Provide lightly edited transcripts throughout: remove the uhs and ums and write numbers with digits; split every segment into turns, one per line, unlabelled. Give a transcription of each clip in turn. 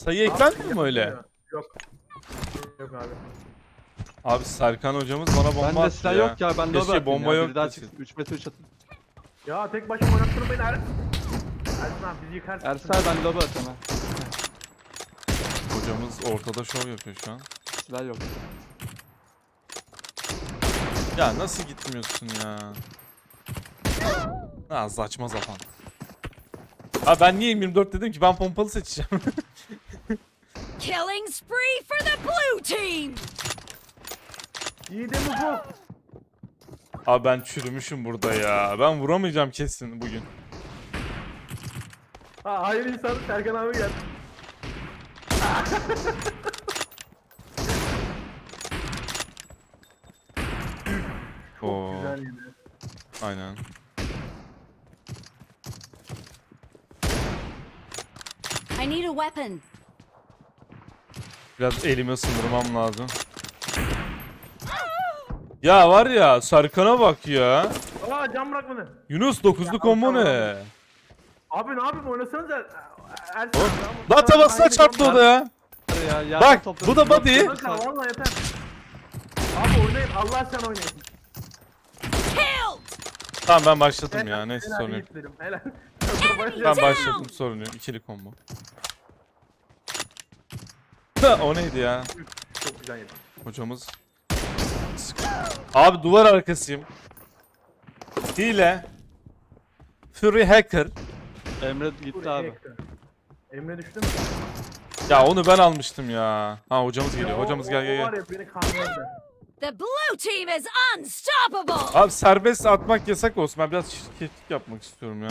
Sayı eklenmiyor mu öyle?
Yok. Yok abi.
Abi Serkan hocamız bana bomba
Bende
attı
silah
ya.
yok ya, ben
Keşke
lobi atayım
bomba
ya.
yok
Biri daha
keşke.
çıksın, 3 metre 3 atın.
Ya tek başıma oynattırın beni Ersin. Ersin abi bizi yıkarsın.
Ersel ben lobi atayım ha.
Hocamız ortada şov yapıyor şu an.
Silah yok.
Ya nasıl gitmiyorsun ya? Ha saçma sapan. Ha ben niye 24 dedim ki, ben pompalı seçeceğim.
Killing spree for the blue team!
İyi de mi bu?
Abi ben çürümüşüm burada ya. Ben vuramayacağım kesin bugün.
Ha hayır insan Serkan abi gel.
Oo,
Güzel yine.
aynen.
I need a weapon.
Biraz elimi ısındırmam lazım. Ya var ya, Serkan'a bak ya.
Aa cam bırakmadı.
Yunus 9'lu combo ne?
Abi ne yapayım oynasanıza. Ersin
Oğlum,
abi.
lan tabasına çarptı o da ya.
Ya, yerden
Bak
topladım.
bu da body.
Bakın valla yeter. Abi oynayın Allah aşkına oynayın.
Killed!
Tamam ben başladım ya,
Helal,
neyse
helal,
sorun yok.
yiğitlerim, Helal.
Ben başladım, sorun yok. İkili combo. Ha, o neydi ya?
Çok güzel yedim.
Hocamız. Abi duvar arkasıyım. Hile. Fury hacker.
Emre gitti abi.
Emre düştü mü?
Ya onu ben almıştım ya. Ha hocamız geliyor. Hocamız gel
O
gel
var
gel.
ya beni kandırdı.
The blue team is unstoppable!
Abi serbest atmak yasak olsun. Ben biraz şirketlik yapmak istiyorum ya.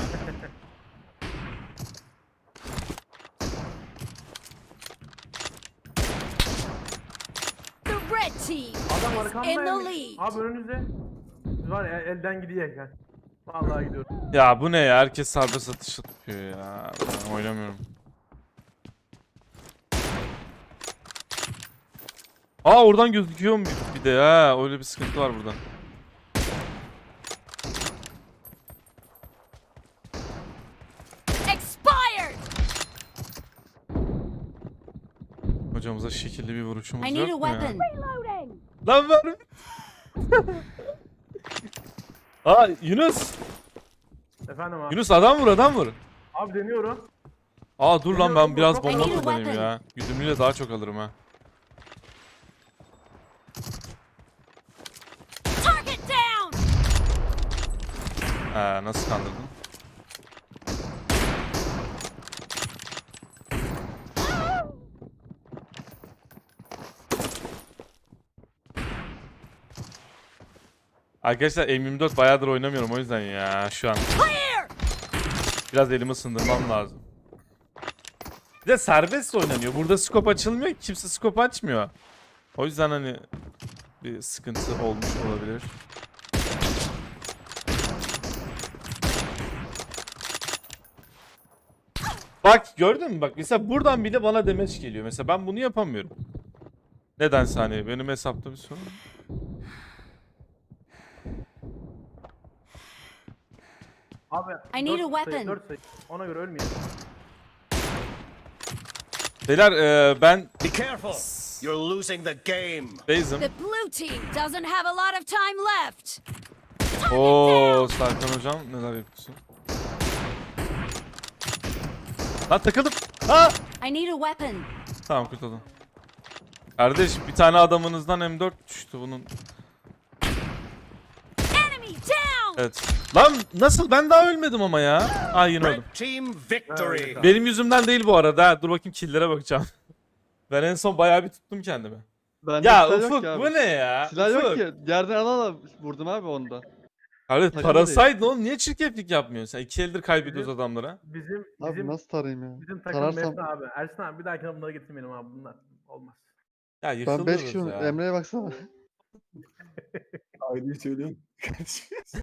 The red team
Adam
is in the
arkamdaymış.
lead.
Abi önünüzde. Var ya elden gidiyor gel. Vallahi gidiyorum.
Ya bu ne ya? Herkes serbest atış yapıyor ya. Ben oynamıyorum. Aa oradan gözüküyor mu bir de ha? Öyle bir sıkıntı var burada.
Expired!
Hocamıza şekilli bir vuruşumuz
I need a
yok mu ya?
weapon. Reloading!
Lan ver. Aa Yunus.
Efendim abi.
Yunus adam vur, adam vur.
Abi deniyorum.
Aa dur lan, ben biraz
I
bomba
need a
kullanayım
weapon.
ya. Güdümlüyle daha çok alırım ha.
Target down!
Nasıl kandırdın? Arkadaşlar M24 bayağıdır oynamıyorum o yüzden ya şu an.
Clear!
Biraz elimi ısındırmam lazım. Bir de serbest oynanıyor. Burada scope açılmıyor. Kimse scope açmıyor. O yüzden hani bir sıkıntı olmuş olabilir. Bak gördün mü? Bak mesela buradan bile bana demeç geliyor. Mesela ben bunu yapamıyorum. Nedense hani benim hesapta bir sorun.
Abi.
I need a
dört sayı,
weapon.
4 sayı. Ona göre ölmeyelim.
Beyler ben
Be careful. You're losing the game.
base'im.
The blue team doesn't have a lot of time left.
Oo Serkan hocam neler yapıyorsun? Lan takıldım. Ha!
I need a weapon.
Tamam kurtuldum. Kardeş bir tane adamınızdan M4 düştü bunun.
Enemy down!
Evet. Lan nasıl, ben daha ölmedim ama ya. Aa yine öldüm.
Red team victory.
Benim yüzümden değil bu arada. Ha, dur bakayım kill'lere bakacağım. Ben en son bayağı bir tuttum kendimi.
Bende
Ya
silah yok
Ufuk
ki abi.
bu ne ya?
Silah
Ufuk.
yok ki. Yerden ala vurdum abi onda.
Abi
Takımı
parasaydın oğlum, niye çirkeflik yapmıyorsun? Sen 2 eldir kaybediyoruz adamlara.
Bizim
Abi nasıl tarayayım ya?
bizim takım
Tararsam
Mesut abi. Ersin abi bir dahakine bunları getirmeyelim abi bunlar. Olmaz.
Ya
ben 5
yıkılıyoruz
kişi
ya.
Emre'ye baksana.
Aileyi söylüyorum.